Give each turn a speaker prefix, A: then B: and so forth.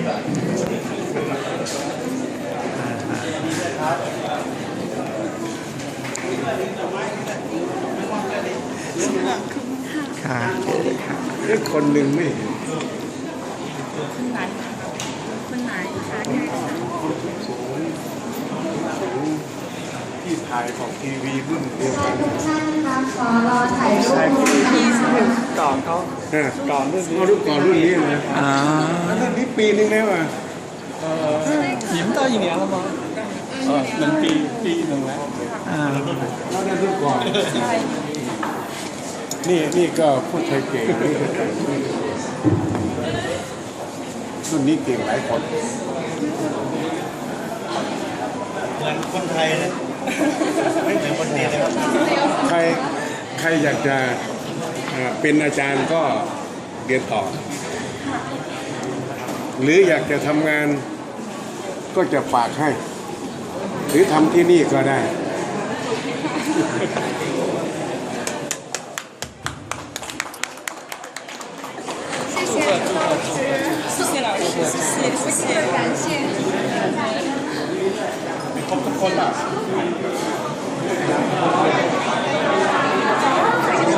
A: ค่ะ
B: คนหนึ่งไม่
C: คนไหนคนไหนคะ
B: ที่ถ่ายของทีวีรุ่นเดียวกัน
D: ทุกท่านคะขอรอถ่ายรูป
A: พี่ก่อนเขา
B: ก่อนรุ่นนี้ก่อนรุ่นนี้นะ
A: อ่า
B: แล้วรุ่นนี้ปีนึงแล้วอ่ะ
E: 已经到1年了吗？能ปีหนึ่งแล้ว
A: อ่า
B: แล้วนั่นรุ่นก่อนนี่ก็พูดไทยเก่งรุ่นนี้เก่งหลายคน
E: เหมือนคนไทยเลยไม่เหมือนคนจีนเลยครับ
B: ใครอยากจะเป็นอาจารย์ก็เรียนต่อ หรืออยากจะทำงานก็จะฝากให้ หรือทำที่นี่ก็ได้
C: 谢谢老师，谢谢老师，谢谢，感谢。
E: ครบทุกคนอ่ะ